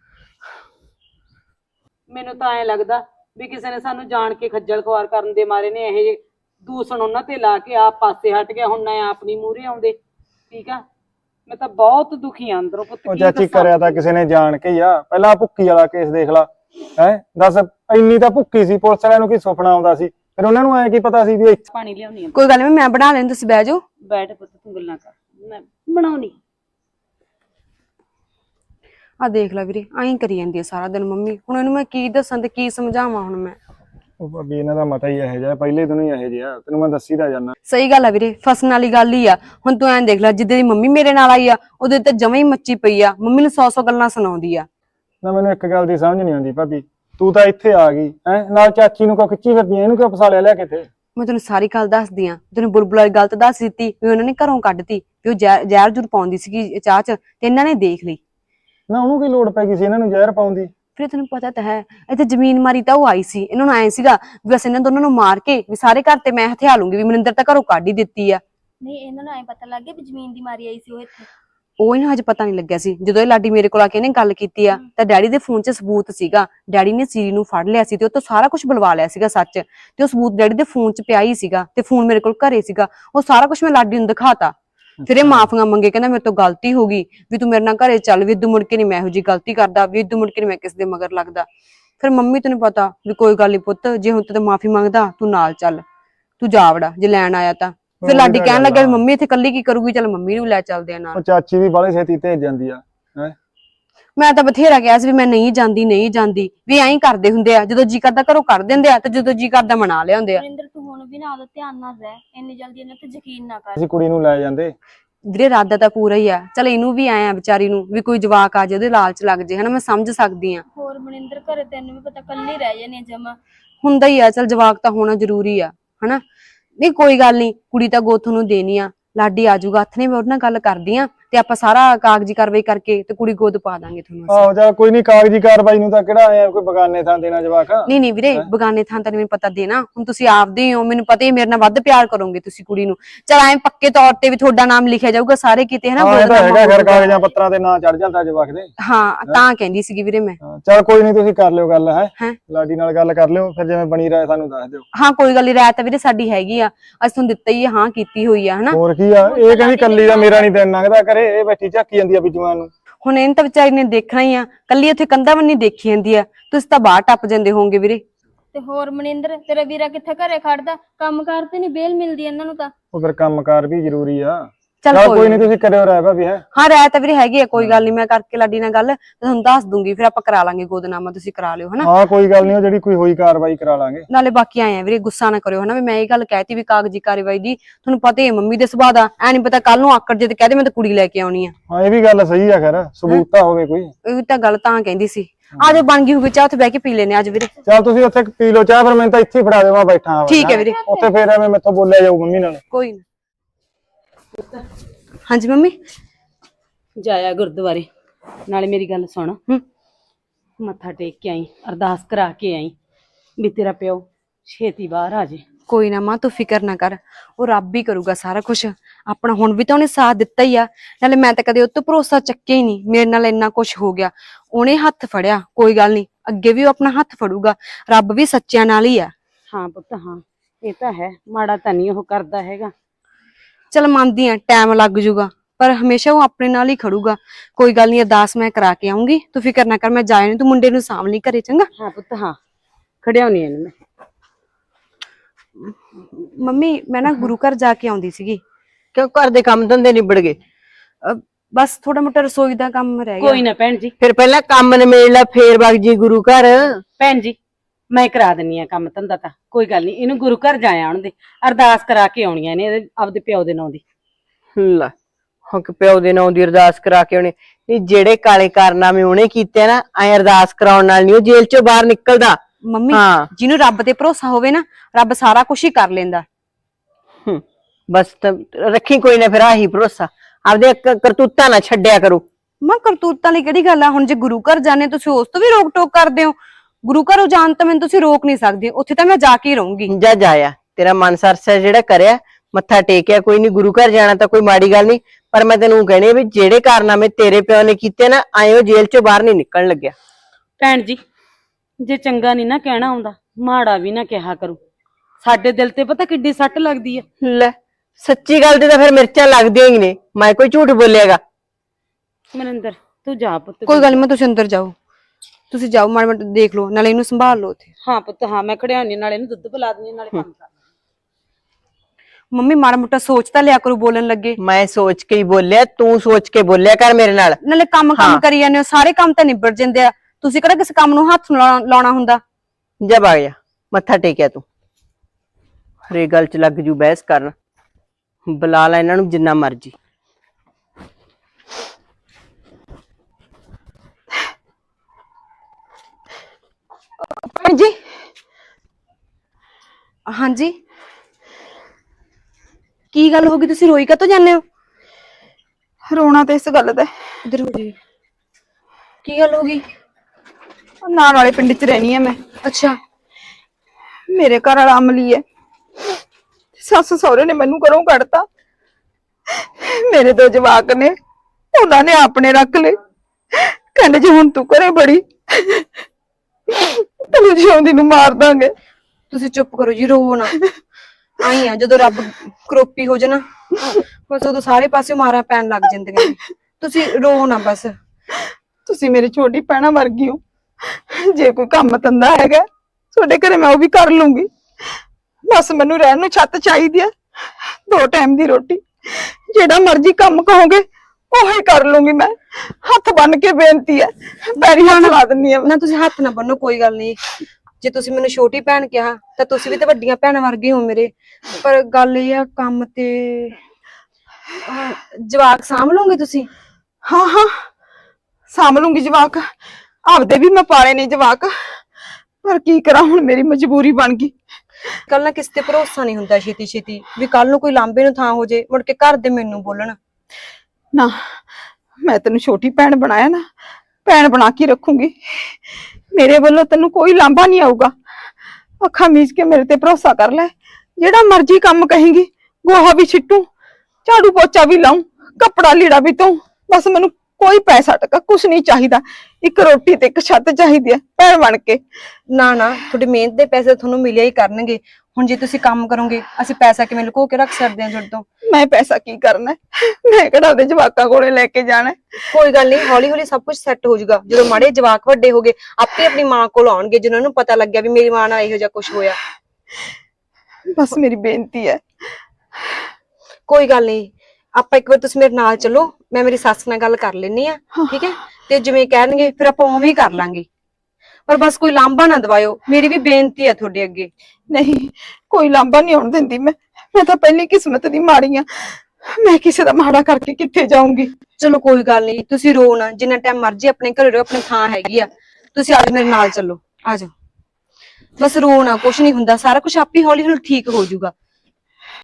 S1: ਮੈਨੂੰ ਤਾਂ ਐ ਲੱਗਦਾ ਵੀ ਕਿਸੇ ਨੇ ਸਾਨੂੰ ਜਾਣ ਕੇ ਖੱਜਲ ਖੁਆਰ ਕਰਨ ਦੇ ਮਾਰੇ ਨੇ ਇਹ ਜਿਹੇ ਦੂਸਣ ਉਹਨਾਂ ਤੇ ਲਾ ਕੇ ਆਪ ਪਾਸੇ ਹਟ ਗਿਆ। ਹੁਣ ਨਾ ਆਪ ਨਹੀਂ ਮੂਹਰੇ ਆਉਂਦੇ। ਠੀਕ ਆ, ਮੈਂ ਤਾਂ ਬਹੁਤ ਦੁਖੀ ਆਂ ਅੰਦਰੋਂ ਪੁੱਤ।
S6: ਉਹ
S1: ਕੀ
S6: ਚਾਚੀ
S1: ਦੱਸਾਂ?
S6: ਕਰਿਆ ਤਾਂ ਕਿਸੇ ਨੇ ਜਾਣ ਕੇ ਹੀ ਆ। ਪਹਿਲਾਂ ਭੁੱਕੀ ਵਾਲਾ ਕੇਸ ਦੇਖ ਲਾ, ਹੈ ਦੱਸ ਇੰਨੀ ਤਾਂ ਭੁੱਕੀ ਸੀ, ਪੁਲਿਸ ਵਾਲਿਆਂ ਨੂੰ ਕੀ ਸੁਪਨਾ ਆਉਂਦਾ ਸੀ? ਫਿਰ ਉਹਨਾਂ ਨੂੰ ਐ ਕੀ ਪਤਾ ਸੀ ਵੀ ਇੱਥੇ
S1: ਪਾਣੀ ਲਿਆਉਣੀ ਆ।
S2: ਕੋਈ ਗੱਲ ਨਹੀਂ, ਮੈਂ ਬਣਾ ਲੈਣ, ਤੁਸੀਂ ਬਹਿ ਜਾਓ।
S1: ਬੈਠ ਪੁੱਤ, ਤੂੰ ਗੱਲਾਂ ਕਰ, ਮੈਂ ਬਣਾਉਣੀ।
S2: ਆ ਦੇਖ ਲੈ ਵੀਰੇ, ਐਂ ਕਰੀ ਜਾਂਦੀ ਆ ਸਾਰਾ ਦਿਨ ਮੰਮੀ। ਹੁਣ ਇਹਨੂੰ ਮੈਂ ਕੀ ਦੱਸਾਂ ਤੇ ਕੀ ਸਮਝਾਵਾਂ ਹੁਣ ਮੈਂ।
S6: ਉਹ ਭਾਬੀ ਇਹਨਾਂ ਦਾ ਮਤਾ ਹੀ ਇਹੋ ਜਿਹਾ, ਪਹਿਲੇ ਦਿਨ ਹੀ ਇਹੋ ਜਿਹਾ, ਤੈਨੂੰ ਮੈਂ ਦੱਸੀ ਤਾਂ ਜਾਨਾ।
S2: ਸਹੀ ਗੱਲ ਆ ਵੀਰੇ, ਫਸਣ ਵਾਲੀ ਗੱਲ ਹੀ ਆ। ਹੁਣ ਤੂੰ ਐਂ ਦੇਖ ਲੈ, ਜਿੱਦੇ ਦੀ ਮੰਮੀ ਮੇਰੇ ਨਾਲ ਆਈ ਆ ਉਹਦੇ ਤੇ ਜਮਾਂ ਹੀ ਮੱਚੀ ਪਈ ਆ। ਮੰਮੀ ਨੂੰ 100 ਗੱਲਾਂ ਸੁਣਾਉਂਦੀ ਆ।
S6: ਨਾ ਮੈਨੂੰ ਇੱਕ ਗੱਲ ਦੀ ਸਮਝ ਨਹੀਂ ਆਉਂਦੀ ਭਾਬੀ, ਤੂੰ ਤਾਂ ਇੱਥੇ ਆ ਗਈ ਹੈ ਨਾਲ ਚਾਚੀ ਨੂੰ ਕਿਉਂ ਖਿੱਚੀ ਫਿਰਦੀ, ਇਹਨੂੰ ਕਿਉਂ ਫਸਾ ਲਿਆ ਕਿਤੇ?
S2: ਮੈਂ ਤੈਨੂੰ ਸਾਰੀ ਗੱਲ ਦੱਸਦੀ ਆ। ਤੈਨੂੰ ਬੁਲਬੁਲ ਵਾਲੀ ਗੱਲ ਤਾਂ ਦੱਸ ਦਿੱਤੀ ਵੀ ਉਹਨਾਂ ਨੇ ਘਰੋਂ ਕੱਢਤੀ, ਵੀ ਉਹ ਜ਼ਹਿਰ ਜੁਰ ਪਾਉਂਦੀ ਸੀਗੀ ਚਾਹ ਚ, ਤੇ ਇਹਨਾਂ ਨੇ ਦੇਖ ਲਈ।
S6: ਨਾ ਉਹਨੂੰ ਕੀ ਲੋੜ ਪੈ ਗਈ ਸੀ ਇਹਨਾਂ ਨੂੰ ਜ਼ਹਿਰ ਪਾਉਣ ਦੀ?
S2: ਫਿਰ ਤੈਨੂੰ ਪਤਾ ਤਾਂ ਹੈ, ਇੱਥੇ ਜ਼ਮੀਨ ਮਾਰੀ ਤਾਂ ਉਹ ਆਈ ਸੀ। ਇਹਨਾਂ ਨੂੰ ਐ ਸੀਗਾ ਵੀ ਬਸ ਇਹਨਾਂ ਦੋਨਾਂ ਨੂੰ ਮਾਰ ਕੇ ਵੀ ਸਾਰੇ ਘਰ ਤੇ ਮੈਂ ਹਥਿਆ ਲੂੰਗੀ, ਵੀ ਮਨਿੰਦਰ ਤਾਂ ਘਰੋਂ ਕੱਢ ਹੀ ਦਿੱਤੀ ਆ।
S5: ਨਹੀਂ, ਇਹਨਾਂ ਨੂੰ ਐ ਪਤਾ ਲੱਗ ਗਿਆ ਵੀ ਜ਼ਮੀਨ ਦੀ ਮਾਰੀ ਆਈ ਸੀ ਉਹ ਇੱਥੇ।
S2: ਉਹ ਇਹਨੂੰ ਹਜੇ ਪਤਾ ਨਹੀਂ ਲੱਗਿਆ ਸੀ। ਜਦੋਂ ਇਹ ਲਾਡੀ ਮੇਰੇ ਕੋਲ ਆ ਕੇ ਇਹਨੇ ਗੱਲ ਕੀਤੀ ਆ ਤਾਂ ਡੈਡੀ ਦੇ ਫੋਨ 'ਚ ਸਬੂਤ ਸੀਗਾ। ਡੈਡੀ ਨੇ ਸੀਰੀ ਨੂੰ ਫੜ ਲਿਆ ਸੀ ਤੇ ਉਹ ਤੋਂ ਸਾਰਾ ਕੁਝ ਬੁਲਵਾ ਲਿਆ ਸੀਗਾ ਸੱਚ, ਤੇ ਉਹ ਸਬੂਤ ਡੈਡੀ ਦੇ ਫੋਨ 'ਚ ਪਿਆ ਹੀ ਸੀਗਾ, ਤੇ ਫੋਨ ਮੇਰੇ ਕੋਲ ਘਰੇ ਸੀਗਾ। ਉਹ ਸਾਰਾ ਕੁਝ ਮੈਂ ਲਾਡੀ ਨੂੰ ਦਿਖਾਤਾ। ਫਿਰ ਇਹ ਮਾਫੀਆਂ ਮੰਗੇ, ਕਹਿੰਦਾ ਮੇਰੇ ਤੋਂ ਗਲਤੀ ਹੋ ਗਈ, ਵੀ ਤੂੰ ਮੇਰੇ ਨਾਲ ਘਰੇ ਚੱਲ, ਵੀ ਇਦੋਂ ਮੁੜ ਕੇ ਨਹੀਂ ਮੈਂ ਇਹੋ ਜਿਹੀ ਗਲਤੀ ਕਰਦਾ, ਵੀ ਇਦੋਂ ਮੁੜ ਕੇ ਨਹੀਂ ਮੈਂ ਕਿਸੇ ਦੇ ਮਗਰ ਲੱਗਦਾ। ਫਿਰ ਮੰਮੀ ਤੈਨੂੰ ਪਤਾ ਵੀ ਕੋਈ ਗੱਲ ਨਹੀਂ ਪੁੱਤ, ਜੇ ਹੁਣ ਤੂੰ ਮਾਫੀ ਮੰਗਦਾ ਤੂੰ ਨਾਲ ਚੱਲ, ਤੂੰ ਜਾ ਵੜਾ ਜੇ ਲੈਣ ਆਇਆ ਤਾਂ। ਫਿਰ ਲਾਡੀ ਕਹਿਣ ਲੱਗਾ ਵੀ ਮੰਮੀ ਇੱਥੇ ਇਕੱਲੀ ਕੀ ਕਰੂਗੀ, ਚੱਲ ਮੰਮੀ ਨੂੰ ਲੈ ਚੱਲਦੇ ਆ ਨਾਲ।
S6: ਉਹ ਚਾਚੀ ਵੀ ਬਾਹਲੀ ਛੇਤੀ ਭੇਜ ਜਾਂਦੀ ਆ ਹੈ।
S2: ਮੈਂ ਤਾਂ ਬਥੇਰਾ ਕਿਹਾ ਸੀ ਵੀ ਮੈਂ ਨਹੀਂ ਜਾਂਦੀ, ਵੀ ਐਂ ਕਰਦੇ ਹੁੰਦੇ ਆ, ਜਦੋਂ ਜੀ ਕਰਦਾ ਘਰੋਂ ਕਰ ਦਿੰਦੇ ਆ ਤੇ ਜਦੋਂ ਜੀ ਕਰਦਾ ਮਨਾ ਲਿਆਉਂਦੇ ਆ।
S5: ਮਨਿੰਦਰ ਤੂੰ ਹੁਣ ਵੀ ਨਾ ਉਹਦਾ ਧਿਆਨ ਨਾਲ ਰਹਿ, ਇੰਨੀ ਜਲਦੀ ਇਹਨਾਂ ਤੇ ਯਕੀਨ ਨਾ ਕਰ।
S6: ਅਸੀਂ ਕੁੜੀ ਨੂੰ ਲੈ ਜਾਂਦੇ।
S2: ਵੀਰੇ ਇਰਾਦਾ ਤਾਂ ਪੂਰਾ ਹੀ ਆ। ਚੱਲ ਇਹਨੂੰ ਵੀ ਆਇਆ ਵਿਚਾਰੀ ਨੂੰ ਵੀ ਕੋਈ ਜਵਾਕ ਆ ਜੇ ਉਹਦੇ ਲਾਲਚ ਲੱਗ ਜੇ, ਹਨਾ, ਮੈਂ ਸਮਝ ਸਕਦੀ ਆ।
S5: ਹੋਰ ਮਨਿੰਦਰ ਘਰੇ ਤੈਨੂੰ ਵੀ ਪਤਾ ਕੱਲੀ ਰਹਿ ਜਾਣੀ ਜਮਾ।
S2: ਹੁੰਦਾ ਹੀ ਆ, ਚੱਲ ਜਵਾਕ ਤਾਂ ਹੋਣਾ ਜ਼ਰੂਰੀ ਆ, ਹਨਾ। ਨਹੀਂ ਕੋਈ ਗੱਲ ਨਹੀਂ, ਕੁੜੀ ਤਾਂ ਗੋਥ ਨੂੰ ਦੇਣੀ ਆ। ਲਾਡੀ ਆ ਜਾਊਗਾ ਹੱਥ ਨੇ, ਮੈਂ ਉਹਦੇ ਨਾਲ ਗੱਲ ਕਰਦੀ ਆ ਤੇ ਆਪਾਂ ਸਾਰਾ ਕਾਗਜ਼ੀ ਕਾਰਵਾਈ ਕਰਕੇ ਤੇ ਕੁੜੀ ਗੋਦ ਪਾ ਦਾਂਗੇ ਤੁਹਾਨੂੰ।
S6: ਆਹੋ ਚੱਲ ਕੋਈ ਨਹੀਂ, ਕਾਗਜ਼ੀ ਕਾਰਵਾਈ ਨੂੰ ਤਾਂ ਕਿਹੜਾ ਆਇਆ ਕੋਈ ਬਗਾਨੇ ਥਾਂ ਦੇਣਾ ਜਵਾਕ।
S2: ਨਹੀਂ ਵੀਰੇ, ਬਗਾਨੇ ਥਾਂ ਤਾਂ ਮੈਨੂੰ ਪਤਾ ਦੇਣਾ। ਹੁਣ ਤੁਸੀਂ ਆਪਦੇ ਹੀ ਹੋ, ਮੈਨੂੰ ਪਤਾ ਹੀ ਮੇਰੇ ਨਾਲ ਵੱਧ ਪਿਆਰ ਕਰੋਗੇ ਤੁਸੀਂ ਕੁੜੀ ਨੂੰ। ਚੱਲ ਐਂ ਪੱਕੇ ਤੌਰ ਤੇ ਵੀ ਤੁਹਾਡਾ ਨਾਮ ਲਿਖਿਆ ਜਾਊਗਾ ਸਾਰੇ ਕਿਤੇ, ਹਨਾ।
S6: ਹਾਂ ਇਹ ਤਾਂ ਹੈਗਾ, ਫਿਰ ਕਾਗਜ਼ਾਂ ਪੱਤਰਾਂ ਤੇ ਨਾਂ ਚੜ ਜਾਂਦਾ ਜਵਾਕ ਦੇ।
S2: ਹਾਂ ਤਾਂ ਕਹਿੰਦੀ ਸੀਗੀ ਵੀਰੇ ਮੈਂ।
S6: ਚੱਲ ਕੋਈ ਨਹੀਂ, ਤੁਸੀਂ ਕਰ ਲਿਓ ਗੱਲ, ਹੈ
S2: ਹੈਂ?
S6: ਲਾਡੀ ਨਾਲ ਗੱਲ ਕਰ ਲਿਓ, ਫਿਰ ਜਿਵੇਂ ਬਣੀ ਰਾਏ ਸਾਨੂੰ ਦੱਸ ਦਿਓ।
S2: ਹਾਂ ਕੋਈ ਗੱਲ ਨੀ, ਰਾਇ ਤਾਂ ਵੀਰੇ ਸਾਡੀ ਹੈਗੀ ਆ, ਅਸੀਂ ਤੁਹਾਨੂੰ ਦਿੱਤਾ ਹੀ ਆ, ਹਾਂ ਕੀਤੀ ਹੋਈ ਆ, ਹਨਾ।
S6: ਹੋਰ ਕੀ ਆ, ਇਹ ਕਹਿੰਦੀ ਕੱਲੀ ਦਾ ਮੇਰਾ ਨਹੀਂ ਦਿਨ ਲੰਘਦਾ ਕਰੇ, ਇਹ ਬੈਠੀ ਝਾਕੀ ਜਾਂਦੀ ਆ ਬਿਜੂਆਂ ਨੂੰ।
S2: ਹੁਣ ਇਹਨੂੰ ਤਾਂ ਵਿਚਾਰੀ ਨੇ ਦੇਖਣਾ ਹੀ ਆ, ਕੱਲੀ ਉੱਥੇ ਕੰਧਾਂ ਬੰਨੀ ਦੇਖੀ ਜਾਂਦੀ ਆ। ਤੁਸੀਂ ਤਾਂ ਬਾਹਰ ਟੱਪ ਜਾਂਦੇ ਹੋਵੋਗੇ ਵੀਰੇ।
S5: ਤੇ ਹੋਰ ਮਨਿੰਦਰ ਤੇਰਾ ਵੀਰਾ ਕਿੱਥੇ ਘਰੇ ਖੜਦਾ, ਕੰਮ ਕਾਰ ਤੇ ਨਹੀਂ ਬੇਲ ਮਿਲਦੀ ਇਹਨਾਂ ਨੂੰ ਤਾਂ।
S6: ਉਹ ਫਿਰ ਕੰਮਕਾਰ ਵੀ ਜ਼ਰੂਰੀ ਆ।
S2: ਚੱਲ
S6: ਚੱਲ
S2: ਕੋਈ
S6: ਕੋਈ ਨਹੀਂ, ਤੁਸੀਂ ਕਰਿਓ ਰਾਏ ਭਾਬੀ। ਹੈ
S2: ਹਾਂ ਰਾਇ ਤਾਂ ਵੀਰੇ ਹੈਗੀ ਆ, ਕੋਈ ਗੱਲ ਨੀ, ਮੈਂ ਕਰਕੇ ਲਾਡੀ ਨਾਲ ਗੱਲ ਤੇ ਤੁਹਾਨੂੰ ਦੱਸ ਦੂੰਗੀ, ਫਿਰ ਆਪਾਂ ਕਰਾ ਲਾਂਗੇ ਗੋਦਨਾਮਾ, ਤੁਸੀਂ ਕਰਾ ਲਿਓ, ਹਨਾ।
S6: ਹਾਂ ਕੋਈ ਗੱਲ ਨਹੀਂ, ਉਹ ਜਿਹੜੀ ਕੋਈ ਹੋਈ ਕਾਰਵਾਈ ਕਰਾ ਲਾਂਗੇ।
S2: ਨਾਲੇ ਬਾਕੀ ਆਏ ਆ ਵੀਰੇ, ਗੁੱਸਾ ਨਾ ਕਰਿਓ, ਹਨਾ, ਵੀ ਮੈਂ ਇਹ ਗੱਲ ਕਹਿਤੀ ਵੀ ਕਾਗਜ਼ੀ ਕਾਰਵਾਈ ਦੀ। ਤੁਹਾਨੂੰ ਪਤਾ ਹੀ ਹੈ ਮੰਮੀ ਦੇ ਸੁਭਾਅ ਦਾ, ਐ ਨਹੀਂ ਪਤਾ ਕੱਲ ਨੂੰ ਆਕੜ ਜੇ ਤੇ ਕਹਦੇ ਮੈਂ ਤਾਂ ਕੁੜੀ ਲੈ ਕੇ ਆਉਣੀ ਆ।
S6: ਹਾਂ ਇਹ ਵੀ ਗੱਲ ਸਹੀ ਆ, ਖੈਰ ਸਬੂਤ ਤਾਂ ਹੋਵੇ ਕੋਈ।
S2: ਇਹ ਵੀ ਤਾਂ ਗੱਲ ਤਾਂ ਕਹਿੰਦੀ ਸੀ। ਆਜੋ ਬਣ ਗਈ ਹੋਊਗੀ ਚਾਹ, ਉੱਥੇ ਬਹਿ ਕੇ ਪੀ ਲੈਨੇ ਅੱਜ ਵੀਰੇ।
S6: ਚੱਲ ਤੁਸੀਂ ਉੱਥੇ ਪੀ ਲਓ ਚਾਹ, ਫਿਰ ਮੈਂ ਤਾਂ ਇੱਥੇ ਹੀ ਫੜਾ ਦੇਵਾਂ, ਬੈਠਾ
S2: ਠੀਕ ਹੈ ਵੀਰੇ।
S6: ਉੱਥੇ ਫੇਰ ਐਵੇਂ ਮੈਥੋਂ ਬੋਲਿਆ ਜਾਊ ਮੰਮੀ ਨਾਲ।
S2: ਕੋਈ ਨਾ। ਹਾਂਜੀ ਮੰਮੀ।
S1: ਜਾਇਆ ਗੁਰਦੁਆਰੇ, ਨਾਲੇ ਮੇਰੀ ਗੱਲ ਸੁਣ,
S2: ਹੂੰ।
S1: ਮੱਥਾ ਟੇਕ ਕੇ ਆਈ, ਅਰਦਾਸ ਕਰਾ ਕੇ ਆਈ ਵੀ ਤੇਰਾ ਪਿਓ ਛੇਤੀ ਬਾਹਰ ਆ ਜੇ।
S2: ਕੋਈ ਨਾ ਮਾਂ, ਤੂੰ ਫਿਕਰ ਨਾ ਕਰ, ਉਹ ਰੱਬ ਹੀ ਕਰੂਗਾ ਸਾਰਾ ਕੁਝ ਆਪਣਾ। ਹੁਣ ਵੀ ਤਾਂ ਉਹਨੇ ਸਾਥ ਦਿੱਤਾ ਹੀ ਆ, ਨਾਲੇ ਮੈਂ ਤਾਂ ਕਦੇ ਉਹ ਤੋਂ ਭਰੋਸਾ ਚੱਕਿਆ ਹੀ ਨਹੀਂ। ਮੇਰੇ ਨਾਲ ਇੰਨਾ ਕੁਝ ਹੋ ਗਿਆ, ਉਹਨੇ ਹੱਥ ਫੜਿਆ, ਕੋਈ ਗੱਲ ਨਹੀਂ, ਅੱਗੇ ਵੀ ਉਹ ਆਪਣਾ ਹੱਥ ਫੜੂਗਾ। ਰੱਬ ਵੀ ਸੱਚਿਆਂ ਨਾਲ ਹੀ ਆ।
S1: ਹਾਂ ਪੁੱਤ, ਹਾਂ ਇਹ ਤਾਂ ਹੈ, ਮਾੜਾ ਤਾਂ ਨਹੀਂ ਉਹ ਕਰਦਾ ਹੈਗਾ।
S2: ਚਲ ਮੰਨਦੀ ਆ, ਟਾਈਮ ਲੱਗ ਜੂਗਾ, ਪਰ ਹਮੇਸ਼ਾ ਉਹ ਆਪਣੇ ਨਾਲ ਹੀ ਖੜੂਗਾ। ਕੋਈ ਗੱਲ ਨਹੀਂ, ਅਰਦਾਸ ਮੈਂ ਕਰਾ ਕੇ ਆਉਂਗੀ, ਤੂੰ ਫਿਕਰ ਨਾ ਕਰ, ਮੈਂ ਜਾਇਆ ਨਹੀਂ, ਤੂੰ ਮੁੰਡੇ ਨੂੰ ਸਾਂਭ ਲਈ ਘਰੇ, ਚੰਗਾ।
S1: ਹਾਂ ਪੁੱਤ, ਹਾਂ ਖੜਿਆਉਣੀ ਇਹਨੂੰ ਮੈਂ।
S2: ਮੰਮੀ ਮੈਂ ਨਾ ਗੁਰੂ ਘਰ ਜਾ ਕੇ ਆਉਂਦੀ ਸੀਗੀ।
S3: ਕਿਉਂ ਘਰ ਦੇ ਕੰਮ ਧੰਦੇ ਨਿਬੜ ਗਏ?
S2: ਬਸ ਥੋੜਾ ਮੋਟਾ ਰਸੋਈ ਦਾ ਕੰਮ ਰਹਿ ਗਿਆ।
S1: ਕੋਈ ਨਾ ਭੈਣ ਜੀ,
S3: ਫਿਰ ਪਹਿਲਾਂ ਕੰਮ ਨਿਬੇੜ ਲੈ, ਫੇਰ ਵਗ ਜੀ ਗੁਰੂ ਘਰ।
S1: ਭੈਣ ਜੀ ਮੈਂ ਕਰਾ ਦਿੰਨੀ ਆ ਕੰਮ ਧੰਦਾ, ਤਾਂ ਕੋਈ ਗੱਲ ਨਹੀਂ, ਇਹਨੂੰ ਗੁਰੂ ਘਰ ਜਾਇਆ ਆਉਣ ਦੇ, ਅਰਦਾਸ ਕਰਾ ਕੇ ਆਉਣੀ ਆ ਇਹਨੇ ਆਪਦੇ ਪਿਓ ਦੇ ਨਾਂ ਦੀ।
S3: ਲੈ ਹੁਣ ਪਿਓ ਦੇ ਨਾਂ ਦੀ ਅਰਦਾਸ ਕਰਾ ਕੇ ਆਉਣੇ ਨਹੀਂ, ਜਿਹੜੇ ਕਾਲੇ ਕਾਰਨਾਮੇ ਉਹਨੇ ਕੀਤੇ ਨਾ, ਐ ਅਰਦਾਸ ਕਰਾਉਣ ਨਾਲ ਨਹੀਂ ਉਹ ਜੇਲ੍ਹ ਚੋਂ ਬਾਹਰ ਨਿਕਲਦਾ।
S2: ਮੰਮੀ
S3: ਹਾਂ।
S2: ਜਿਹਨੂੰ ਰੱਬ ਤੇ ਭਰੋਸਾ ਹੋਵੇ ਨਾ, ਰੱਬ ਸਾਰਾ ਕੁਝ ਹੀ ਕਰ ਲੈਂਦਾ।
S3: ਬਸ ਰੱਖੀ ਕੋਈ ਨਾ ਫਿਰ ਆਹੀ ਭਰੋਸਾ, ਆਪਦੇ ਕਰਤੂਤਾਂ ਨਾ ਛੱਡਿਆ ਕਰੋ।
S2: ਮਾਂ ਕਰਤੂਤਾਂ ਲਈ ਕਿਹੜੀ ਗੱਲ ਆ, ਹੁਣ ਜੇ ਗੁਰੂ ਘਰ ਜਾਣੇ ਤੁਸੀਂ ਉਸ ਤੋਂ ਵੀ ਰੋਕ ਟੋਕ ਕਰਦੇ ਹੋ। ਗੁਰੂ ਘਰੋਂ ਜਾਣ ਤਾਂ ਮੈਨੂੰ ਤੁਸੀਂ ਰੋਕ ਨਹੀਂ ਸਕਦੇ, ਉੱਥੇ ਤਾਂ ਮੈਂ ਜਾ ਕੇ ਹੀ ਰਹੂੰਗੀ।
S3: ਜਾ ਜਾਇਆ, ਤੇਰਾ ਮਨ ਸਰਸਾ ਜਿਹੜਾ ਕਰਿਆ, ਮੱਥਾ ਟੇਕਿਆ, ਕੋਈ ਨਹੀਂ, ਗੁਰੂ ਘਰ ਜਾਣਾ ਤਾਂ ਕੋਈ ਮਾੜੀ ਗੱਲ ਨਹੀਂ, ਪਰ ਮੈਂ ਤੈਨੂੰ ਕਹਿਣੀ ਵੀ ਜਿਹੜੇ ਕਾਰਨਾਮੇ ਤੇਰੇ ਪਿਓ ਨੇ ਕੀਤੇ ਨਾ, ਆਇਓ ਜੇਲ੍ਹ ਚੋਂ ਬਾਹਰ ਨਹੀਂ ਨਿਕਲਣ ਲੱਗਿਆ।
S1: ਭੈਣ ਜੀ, ਜੇ ਚੰਗਾ ਨਹੀਂ ਨਾ ਕਹਿਣਾ ਆਉਂਦਾ, ਮਾੜਾ ਵੀ ਨਾ ਕਿਹਾ ਕਰੋ। ਸਾਡੇ ਦਿਲ ਤੇ ਪਤਾ ਕਿੱਡੀ ਸੱਟ ਲੱਗਦੀ ਹੈ।
S3: ਲੈ, ਸੱਚੀ ਗੱਲ ਤੇ ਤਾਂ ਫਿਰ ਮਿਰਚਾਂ ਲੱਗਦੀਆਂ ਹੀ ਨੇ, ਮੈਂ ਕੋਈ ਝੂਠ ਬੋਲਿਆਗਾ।
S1: ਮਨਿੰਦਰ ਤੂੰ ਜਾ ਪੁੱਤ।
S2: ਕੋਈ ਗੱਲ ਨੀ, ਮੈਂ ਤੁਸੀਂ ਅੰਦਰ ਜਾਓ, ਤੁਸੀਂ ਜਾਓ, ਮਾੜਾ ਮਾੜਾ ਦੇਖ ਲਓ, ਨਾਲੇ ਇਹਨੂੰ ਸੰਭਾਲ ਲਓ ਉੱਥੇ।
S1: ਹਾਂ ਪੁੱਤ, ਹਾਂ ਮੈਂ ਖੜਿਆਉਣੀ, ਨਾਲੇ ਇਹਨੂੰ ਦੁੱਧ ਪਿਲਾ ਦਿੰਦੀ, ਨਾਲੇ ਕੰਮ ਕਰ।
S2: ਮੰਮੀ ਮਾੜਾ ਮੋਟਾ ਸੋਚ ਤਾਂ ਲਿਆ ਕਰੋ ਬੋਲਣ ਲੱਗੇ,
S3: ਮੈਂ ਸੋਚ ਕੇ ਹੀ ਬੋਲਿਆ, ਤੂੰ ਸੋਚ ਕੇ ਬੋਲਿਆ ਕਰ ਮੇਰੇ ਨਾਲ।
S2: ਨਾਲੇ ਕੰਮ ਕਰੀ ਜਾਂਦੇ ਹੋ, ਸਾਰੇ ਕੰਮ ਤਾਂ ਨਿਬੜ ਜਾਂਦੇ ਆ, ਤੁਸੀਂ ਕਿਹੜਾ ਕਿਸੇ ਕੰਮ ਨੂੰ ਹੱਥ ਲਾਉਣਾ ਹੁੰਦਾ।
S3: ਜਬ ਆ ਗਿਆ, ਮੱਥਾ ਟੇਕਿਆ ਤੂੰ, ਹਰੇ ਗੱਲ ਚ ਲੱਗ ਜੂ ਬਹਿਸ ਕਰਨ। ਬੁਲਾ ਲੈ ਇਹਨਾਂ ਨੂੰ ਜਿੰਨਾ ਮਰਜੀ।
S2: ਜੀ ਹਾਂਜੀ, ਕੀ ਗੱਲ ਹੋ ਗਈ, ਤੁਸੀਂ ਰੋਈ ਕਾਹਤੋਂ ਜਾਂਦੇ ਹੋ?
S4: ਰੋਣਾ ਤੇ ਇਸ ਗੱਲ ਦਾ ਹੈ,
S2: ਇਧਰ ਹੋ ਜੀ। ਕੀ ਗੱਲ ਹੋ ਗਈ?
S4: ਨਾਲ ਵਾਲੇ ਪਿੰਡ 'ਚ ਰਹਿਣੀ ਆ ਮੈਂ।
S2: ਅੱਛਾ,
S4: ਮੇਰੇ ਘਰ ਵਾਲਾ ਅਮਲੀ ਹੈ, ਸੱਸ ਸਹੁਰੇ ਨੇ ਮੈਨੂੰ ਘਰੋਂ ਕੱਢਤਾ। ਮੇਰੇ ਦੋ ਜਵਾਕ ਨੇ, ਉਹਨਾਂ ਨੇ ਆਪਣੇ ਰੱਖ ਲਏ। ਕਹਿੰਦੇ ਜੇ ਹੁਣ ਤੂੰ ਘਰੇ ਬੜੀ ਤੈਨੂੰ ਜਿਉਂਦੀ ਨੂੰ ਮਾਰ ਦਾਂਗੇ।
S2: ਤੁਸੀਂ ਚੁੱਪ ਕਰੋ ਜੀ, ਰੋਵੋ ਨਾ। ਆਈ ਆ ਜਦੋਂ ਰੱਬ ਕਰੋਪੀ ਹੋ ਜਾਣਾ, ਬਸ ਉਦੋਂ ਸਾਰੇ ਪਾਸੇ ਮਾਰਾਂ ਪੈਣ ਲੱਗ ਜਾਂਦੀਆਂ ਨੇ। ਤੁਸੀਂ ਰੋਵੋ ਨਾ ਬਸ।
S4: ਤੁਸੀਂ ਮੇਰੀ ਛੋਟੀ ਭੈਣਾਂ ਵਰਗੀ ਹੋ, ਜੇ ਕੋਈ ਕੰਮ ਧੰਦਾ ਹੈਗਾ ਤੁਹਾਡੇ ਘਰੇ ਮੈਂ ਉਹ ਵੀ ਕਰ ਲੂੰਗੀ। ਬਸ ਮੈਨੂੰ ਰਹਿਣ ਨੂੰ ਛੱਤ ਚਾਹੀਦੀ ਆ, 2 ਟਾਈਮ ਦੀ ਰੋਟੀ, ਜਿਹੜਾ ਮਰਜ਼ੀ ਕੰਮ ਕਹੋਗੇ ਉਹੀ ਕਰ ਲੂੰਗੀ ਮੈਂ। ਹੱਥ ਬੰਨ ਕੇ ਬੇਨਤੀ ਹੈ, ਪੈਰੀ ਹੱਥ ਲਾ ਦਿੰਨੀ ਆ।
S2: ਨਾ ਤੁਸੀਂ ਹੱਥ ਨਾ ਬੰਨੋ, ਕੋਈ ਗੱਲ ਨਹੀਂ। ਜੇ ਤੁਸੀਂ ਮੈਨੂੰ ਛੋਟੀ ਭੈਣ ਕਿਹਾ ਤਾਂ ਤੁਸੀਂ ਵੀ ਤਾਂ ਵੱਡੀਆਂ ਭੈਣਾਂ ਵਰਗੇ ਹੋ ਮੇਰੇ। ਪਰ ਗੱਲ ਇਹ ਆ, ਕੰਮ ਤੇ ਜਵਾਕ ਸਾਂਭ ਲਓਗੇ ਤੁਸੀਂ?
S4: ਹਾਂ ਹਾਂ, ਸਾਂਭ ਲੂੰਗੀ ਜਵਾਕ, ਆਪਦੇ ਵੀ ਮੈਂ ਪਾਲੇ ਨੇ ਜਵਾਕ, ਪਰ ਕੀ ਕਰਾਂ ਹੁਣ, ਮੇਰੀ ਮਜਬੂਰੀ ਬਣ ਗਈ।
S2: ਕੱਲ ਨਾ ਕਿਸੇ ਤੇ ਭਰੋਸਾ ਨਹੀਂ ਹੁੰਦਾ ਛੇਤੀ ਛੇਤੀ, ਵੀ ਕੱਲ ਨੂੰ ਕੋਈ ਲਾਂਬੇ ਨੂੰ ਥਾਂ ਹੋ ਜੇ, ਮੁੜ ਕੇ ਘਰ ਦੇ ਮੈਨੂੰ ਬੋਲਣ।
S4: ਨਾ, ਮੈਂ ਤੈਨੂੰ ਛੋਟੀ ਭੈਣ ਬਣਾਇਆ ਨਾ, ਭੈਣ ਬਣਾ ਕੇ ਰੱਖੂੰਗੀ। ਮੇਰੇ ਵੱਲੋਂ ਤੈਨੂੰ ਕੋਈ ਲਾਂਭਾ ਨਹੀਂ ਆਊਗਾ। ਅੱਖਾਂ ਮੀਚ ਕੇ ਮੇਰੇ ਤੇ ਭਰੋਸਾ ਕਰ ਲੈ, ਜਿਹੜਾ ਮਰਜ਼ੀ ਕੰਮ ਕਹੇਂਗੀ, ਗੋਹਾ ਵੀ ਛਿੱਟੂ, ਝਾੜੂ ਪੋਚਾ ਵੀ ਲਾਉਂ, ਕੱਪੜਾ ਲੀੜਾ ਵੀ ਧੋਂ, ਬਸ ਮੈਨੂੰ ਕੋਈ ਪੈਸਾ ਟਕਾ ਕੁਛ ਨਹੀਂ ਚਾਹੀਦਾ। ਇੱਕ ਰੋਟੀ ਤੇ ਇੱਕ ਛੱਤ ਚਾਹੀਦੀ ਹੈ ਭੈਣ ਬਣ ਕੇ।
S2: ਨਾ ਨਾ, ਤੁਹਾਡੀ ਮਿਹਨਤ ਦੇ ਪੈਸੇ ਤੁਹਾਨੂੰ ਮਿਲਿਆ ਹੀ ਕਰਨਗੇ। ਹੁਣ ਜੇ ਤੁਸੀਂ ਕੰਮ ਕਰੋਗੇ, ਅਸੀਂ ਪੈਸਾ ਕਿਵੇਂ ਲੁਕੋ ਕੇ ਰੱਖ ਸਕਦੇ ਹਾਂ ਤੁਹਾਡੇ ਤੋਂ?
S4: ਮੈਂ ਪੈਸਾ ਕੀ ਕਰਨਾ ਹੈ? ਮੈਂ ਕਿਹੜਾ ਉਹਦੇ ਜਵਾਕਾਂ ਕੋਲੇ ਲੈ ਕੇ ਜਾਣਾ ਹੈ?
S2: ਕੋਈ ਗੱਲ ਨਹੀਂ, ਹੌਲੀ ਹੌਲੀ ਸਭ ਕੁਝ ਸੈੱਟ ਹੋ ਜਾਊਗਾ। ਜਦੋਂ ਮਾੜੇ ਜਵਾਕ ਵੱਡੇ ਹੋ ਗਏ, ਆਪੇ ਆਪਣੀ ਮਾਂ ਕੋਲ ਆਉਣਗੇ, ਜਿਨ੍ਹਾਂ ਨੂੰ ਪਤਾ ਲੱਗਿਆ ਵੀ ਮੇਰੀ ਮਾਂ ਨਾਲ ਇਹੋ ਜਿਹਾ ਕੁਝ ਹੋਇਆ।
S4: ਬਸ ਮੇਰੀ ਬੇਨਤੀ ਹੈ।
S2: ਕੋਈ ਗੱਲ ਨਹੀਂ, ਆਪਾਂ ਇੱਕ ਵਾਰ ਤੁਸੀਂ ਮੇਰੇ ਨਾਲ ਚੱਲੋ, ਮੈਂ ਮੇਰੀ ਸੱਸ ਨਾਲ ਗੱਲ ਕਰ ਲੈਣੀ ਆ, ਠੀਕ ਹੈ? ਤੇ ਜਿਵੇਂ ਕਹਿਣਗੇ ਫਿਰ ਆਪਾਂ ਉਵੇਂ ਹੀ ਕਰ ਲਾਂਗੇ, ਪਰ ਬਸ ਕੋਈ ਲਾਂਭਾ ਨਾ ਦਵਾਇਓ, ਮੇਰੀ ਵੀ ਬੇਨਤੀ ਹੈ ਤੁਹਾਡੇ ਅੱਗੇ।
S4: ਨਹੀਂ, ਕੋਈ ਲਾਂਭਾ ਨਹੀਂ ਆਉਣ ਦਿੰਦੀ ਮੈਂ ਤਾਂ ਪਹਿਲੀ ਕਿਸਮਤ ਦੀ ਮਾੜੀ ਆ, ਮੈਂ ਕਿਸੇ ਦਾ ਮਾੜਾ ਕਰਕੇ ਕਿੱਥੇ ਜਾਊਂਗੀ।
S2: ਚਲੋ ਕੋਈ ਗੱਲ ਨਹੀਂ, ਤੁਸੀਂ ਰੋ ਨਾ, ਜਿੰਨਾ ਟਾਈਮ ਮਰਜ਼ੀ ਆਪਣੇ ਘਰੇ ਰਹੋ, ਆਪਣੀ ਥਾਂ ਹੈਗੀ ਆ। ਤੁਸੀਂ ਅੱਜ ਮੇਰੇ ਨਾਲ ਚੱਲੋ, ਆ ਜਾਓ। ਬਸ ਰੋ ਨਾ, ਕੁਛ ਨਹੀਂ ਹੁੰਦਾ, ਸਾਰਾ ਕੁਝ ਆਪੇ ਹੌਲੀ ਹੌਲੀ ਠੀਕ ਹੋ ਜਾਊਗਾ।